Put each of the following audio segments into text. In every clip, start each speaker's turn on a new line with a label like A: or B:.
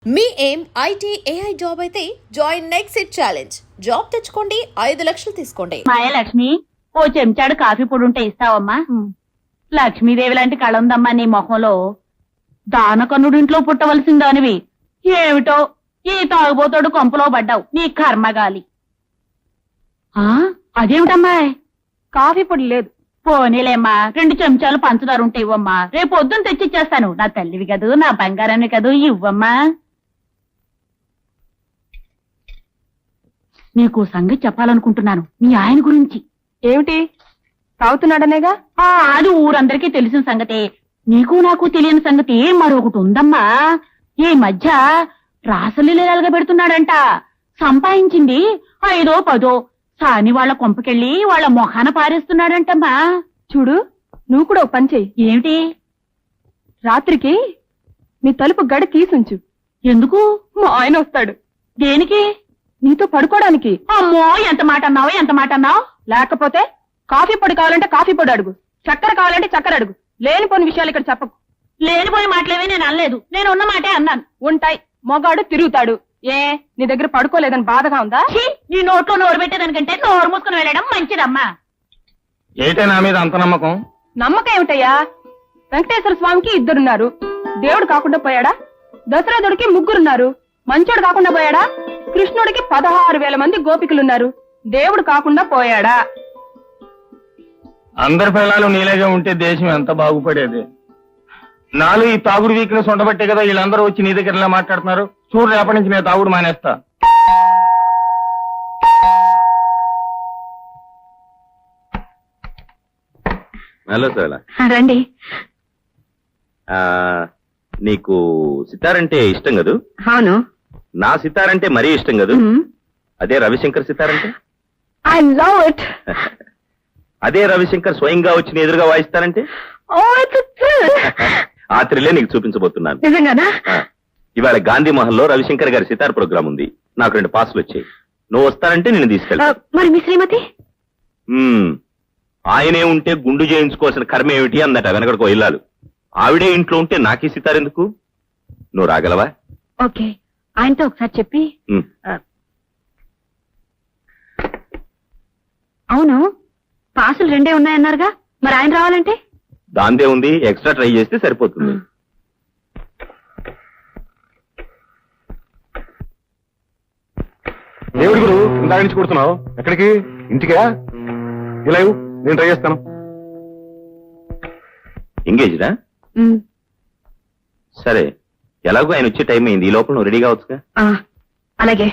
A: మీ ఏం IT AI job అయితే join next it challenge. Job తెచ్చుకోండి, 5 లక్షలు తీసుకోండి.
B: మాయ లక్ష్మి, ఓ చెంచాడు కాఫీ పొడి ఉంటే ఇస్తావమ్మా? లక్ష్మీదేవి లాంటి కళ ఉందమ్మా నీ మొహంలో. దానకన్నుడింట్లో పుట్టవలసిందానివి ఏమిటో ఈ తాగుబోతోడు కొంపలో పడ్డావు, నీ కర్మగాలి. అదేమిటమ్మా? కాఫీ పొడి లేదు. పోనీలేమ్మా, 2 చెంచాలు పంచదార ఉంటే ఇవ్వమ్మా, రేపు పొద్దున్న తెచ్చిచ్చేస్తాను. నా తల్లివి కదూ, నా బంగారాన్ని కదూ, ఇవ్వమ్మా. నీకు సంగతి చెప్పాలనుకుంటున్నాను, మీ ఆయన గురించి.
C: ఏమిటి? తాగుతున్నాడనేగా?
B: అది ఊరందరికీ తెలిసిన సంగతే. నీకు నాకు తెలియని సంగతి మరొకటి ఉందమ్మా. ఈ మధ్య రాసలీలగా పెడుతున్నాడంట. సంపాదించింది 5 10 సాని వాళ్ళ కొంపకెళ్ళి వాళ్ళ మొఖాన పారేస్తున్నాడంటమ్మా.
C: చూడు, నువ్వు కూడా ఓ పని చెయ్యి.
B: ఏమిటి?
C: రాత్రికి నీ తలుపు గడి తీసుంచు.
B: ఎందుకు?
C: మా ఆయన వస్తాడు.
B: దేనికి?
C: నీతో పడుకోవడానికి.
B: అమ్మో, ఎంత మాట అన్నావు, ఎంత మాట అన్నావు.
C: లేకపోతే కాఫీ పొడి కావాలంటే కాఫీ పొడి అడుగు, చక్కెర కావాలంటే చక్కెర అడుగు. లేనిపోని విషయాలు ఇక్కడ చెప్పకు.
B: లేనిపోయి మాటలేవి నేను అనలేదు, నేను ఉన్న మాటే అన్నాను.
C: ఉంటాయి, మొగాడు తిరుగుతాడు. ఏ, నీ దగ్గర పడుకోలేదని బాధగా ఉందా?
B: నీ నోట్లో నోరు పెట్టేదానికంటే నోరు మూసుకుని వెళ్ళడం మంచిదమ్మా.
D: ఏంటే నా మీద అంత నమ్మకం?
C: నమ్మకం ఏమిటయ్యా? వెంకటేశ్వర స్వామికి 2 దేవుడు కాకుండా పోయాడా? దశరథుడికి 3 మంచోడు కాకుండా పోయాడా? కృష్ణుడికి 16,000 మంది గోపికలున్నారు. దేవుడు కాకుండా పోయాడా?
D: అందరి పిల్లలు నీలేగా ఉంటే దేశం ఎంత బాగుపడేది. నాలో ఈ తాగుడు వీక్నెస్ ఉండబట్టే కదా వీళ్ళందరూ వచ్చి నీ దగ్గర ఇలా మాట్లాడుతున్నారు. చూడు, రేపటి నుంచి నేను తాగుడు మానేస్తా.
E: హలో సార్,
B: రండి.
E: నీకు సితారంటే ఇష్టం కదూ?
B: అవును.
E: నా సితారంటే మరీ ఇష్టం కదూ? అదే రవిశంకర్ సితారంటే?
B: I love it.
E: అదే రవిశంకర్ స్వయంగా వచ్చి నీ ఎదురుగా వాయిస్తారంటే? ఆ థ్రిల్లే నీకు చూపించబోతున్నాను.
B: నిజంగానా?
E: ఇవాళ గాంధీ మహల్ లో రవిశంకర్ గారి సితార్ ప్రోగ్రామ్ ఉంది. నాకు 2 పాసులు వచ్చాయి. నువ్వు వస్తానంటే నేను తీసుకెళ్తా.
B: మరి మీ శ్రీమతి?
E: ఆయనే ఉంటే గుండు చేయించుకోవాల్సిన కర్మ ఏమిటి అందట వెనకడికో ఇల్లాలు. ఆవిడే ఇంట్లో ఉంటే నాకీ సితార్ ఎందుకు? నువ్వు రాగలవా?
B: ఓకే, ఆయనతో ఒకసారి చెప్పి. అవును, పాసులు 2 ఉన్నాయన్నారుగా, మరి ఆయన రావాలంటే?
E: దాందే ఉంది, ఎక్స్ట్రా ట్రై చేస్తే సరిపోతుంది.
D: దేవుడి గురు, ఇందాక నుంచి కొడుతున్నావు. ఎక్కడికి? ఇంటికా? ఇలా నేను ట్రై చేస్తాను.
E: ఎంగేజ్డా? సరే, ఎలాగో ఆయన వచ్చే టైం అయింది. ఈ లోపల నువ్వు రెడీ కావచ్చుగా.
B: అలాగే.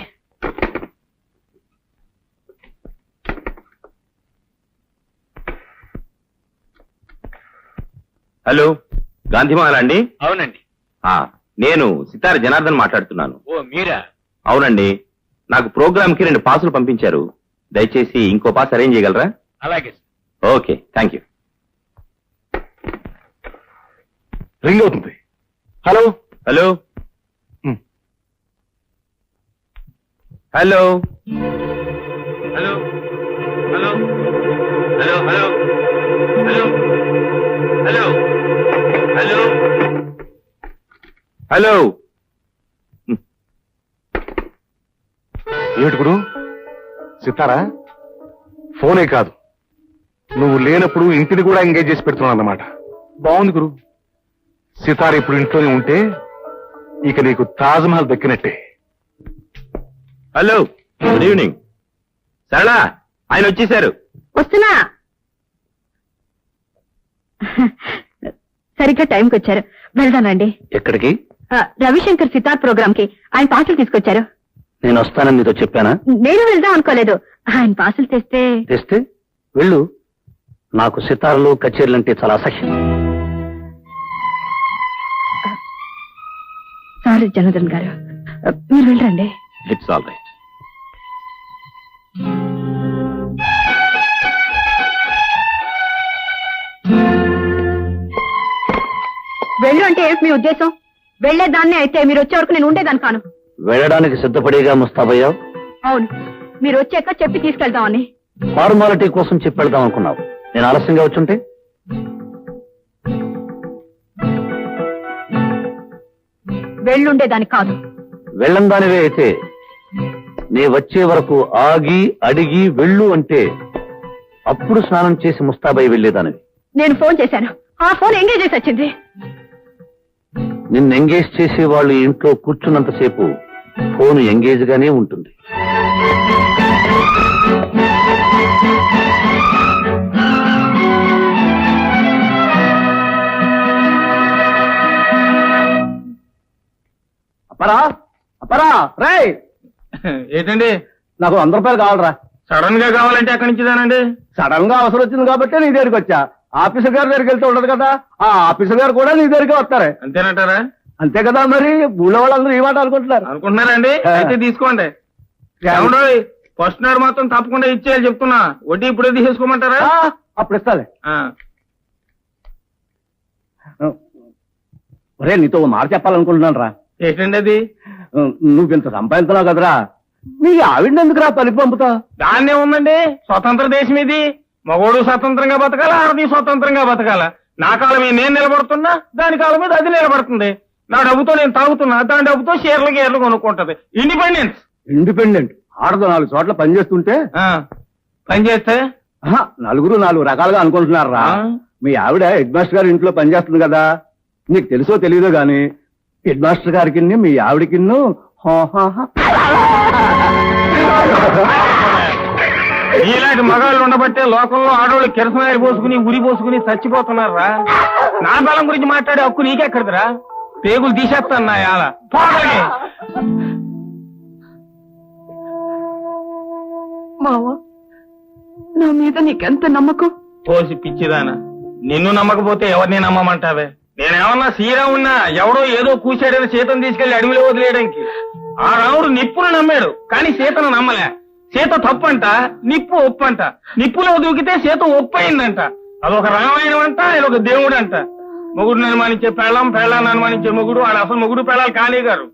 E: హలో, గాంధీమాల అండి?
D: అవునండి.
E: నేను సితార జనార్దన్ మాట్లాడుతున్నాను.
D: ఓ మీరా?
E: అవునండి, నాకు ప్రోగ్రామ్ కి 2 పాసులు పంపించారు. దయచేసి ఇంకో పాస్ అరేంజ్ చేయగలరా?
D: అలాగే.
E: Okay, thank you.
D: రింగ్ అవుతుంది. Hello
E: hello hello hello hello hello hello hello hello hello hello.
D: ఏమిటి గురు? సితారా? ఫోనే కాదు, నువ్వు లేనప్పుడు ఇంటిని కూడా ఎంగేజ్ చేసి పెడుతున్నావు అన్నమాట. బాగుంది గురు. సితార ఇప్పుడు ఇంట్లోనే ఉంటే ఇక నీకు తాజ్ మహల్ దక్కినట్టే.
E: Hello, good evening. సరళా, ఆయన వచ్చేసారు.
B: వస్తున్నా. సరిగ్గా టైంకి వచ్చారు. వెళ్దానండి.
E: ఎక్కడికి?
B: రవిశంకర్ సితార్ ప్రోగ్రామ్ కి ఆయన పాసులు తీసుకొచ్చారు.
E: నేను వస్తానని నీతో చెప్పానా?
B: నేను వెళ్దాం అనుకోలేదు, ఆయన పాసులు తెస్తే
E: వెళ్ళు. నాకు సితార్లు కచేరీలు అంటే చాలా అసహ్యం.
B: సారీ జనార్దన్ గారు, మీరు వెళ్ళండి.
E: It's all right.
B: వెళ్ళు అంటే ఏంటి మీ ఉద్దేశం? వెళ్లేదాన్నే అయితే మీరు వచ్చే వరకు నేను ఉండేదాన్ని కాను.
E: వెళ్ళడానికి సిద్ధపడేగా ముస్తాబయ్యావు?
B: అవును, మీరు వచ్చాక చెప్పి తీసుకెళ్దామని.
E: ఫార్మాలిటీ కోసం చెప్పి వెళ్దాం అనుకున్నావు. నేను ఆలస్యంగా వచ్చుంటే?
B: వెళ్ళుండేదాన్ని కాదు.
F: వెళ్ళందానివే అయితే నే వచ్చే వరకు ఆగి అడిగి వెళ్ళు అంటే అప్పుడు స్నానం చేసి ముస్తాబై వెళ్ళేదానివి.
C: నేను ఫోన్ చేశాను, ఆ ఫోన్ ఎంగేజ్ చేసి వచ్చింది.
F: నిన్ను ఎంగేజ్ చేసే వాళ్ళు ఇంట్లో కూర్చున్నంతసేపు ఫోన్ ఎంగేజ్ గానే ఉంటుంది.
G: అపరా అపరా రేయ్,
E: ఏంటండి
G: నాకు 100 రూపాయలు కావాలరా.
E: సడన్ గా కావాలంటే ఎక్కడి నుంచిదానండి?
G: సడన్ గా అవసరం వచ్చింది కాబట్టి నీ దగ్గరికి వచ్చా. ఆఫీసర్ గారి దగ్గరికి వెళ్తే ఉండదు కదా, ఆ ఆఫీసర్ గారు కూడా నీ దగ్గరికి వస్తారే.
E: అంతేనంటారా?
G: అంతే కదా, మరి ఊళ్ళో వాళ్ళందరూ ఈ మాట అనుకుంటున్నారు.
E: అనుకుంటున్నారండి? అయితే తీసుకోండి. ఏమండో ఫస్ట్ నాడు మాత్రం తప్పకుండా ఇచ్చేయాలి చెప్తున్నా. వడ్డీ ఇప్పుడే తీసేసుకోమంటారా?
G: అప్పుడు ఇస్తాలే.
E: ఆ.
G: ఒరే, నీతో ఓ మాట చెప్పాలనుకుంటున్నాను రా.
E: ఏంటండి అది?
G: నువ్వు ఇంత సంపాదించున్నావు కదరా, నీ ఆవిడని ఎందుకురా పనికి పంపుతా?
E: దాన్నే ఉందండి, స్వతంత్ర దేశం ఇది. మగోడు స్వతంత్రంగా బతకాల, ఆడది స్వతంత్రంగా బతకాల. నా కాలం మీద నేను నిలబడుతున్నా, దాని కాలం మీద అది నిలబడుతుంది. నా డబ్బుతో నేను తాగుతున్నా, దాని డబ్బుతో షేర్లు గేర్లు కొనుక్కుంటది. ఇండిపెండెన్స్.
G: ఇండిపెండెంట్ ఆడదు 4 చోట్ల పని చేస్తుంటే
E: పని చేస్తే
G: నలుగురు 4 రకాలుగా అనుకుంటున్నారా. మీ ఆవిడ హెడ్ మాస్టర్ గారి ఇంట్లో పనిచేస్తుంది కదా, నీకు తెలుసో తెలియదో గాని హెడ్ మాస్టర్ గారికి మీ ఆవిడకి
E: ఇలాంటి మగాళ్ళు ఉండబట్టే లోకంలో ఆడవాళ్ళు కిరసనాయలు పోసుకుని ఉరి పోసుకుని చచ్చిపోతున్నారా. నా బలం గురించి మాట్లాడే హక్కు నీకెక్కడిదిరా? పేగులు తీసేస్తాను నా యాల.
C: మావా, నా మీద నీకెంత నమ్మకం?
E: పోసి పిచ్చిదానా, నిన్ను నమ్మకపోతే ఎవరిని నమ్మమంటావే? నేనేమన్నా శ్రీరామున్నా ఎవడో ఏదో కూశాడని సీతను తీసుకెళ్లి అడవిలో వదిలేయడానికి. ఆ రాముడు నిప్పును నమ్మాడు కానీ సీతను నమ్మలే. సీత తప్పంట, నిప్పు ఒప్పంట. నిప్పులో దూకితే సీత ఒప్పయిందంట. అదొక రామాయణం అంట, ఇదొక దేవుడు అంట. మొగుడు అనుమానించే పెళ్ళాన్ని అనుమానించే మొగుడు, ఆడ అసలు మొగుడు పెళ్ళాలు కానీ గారు.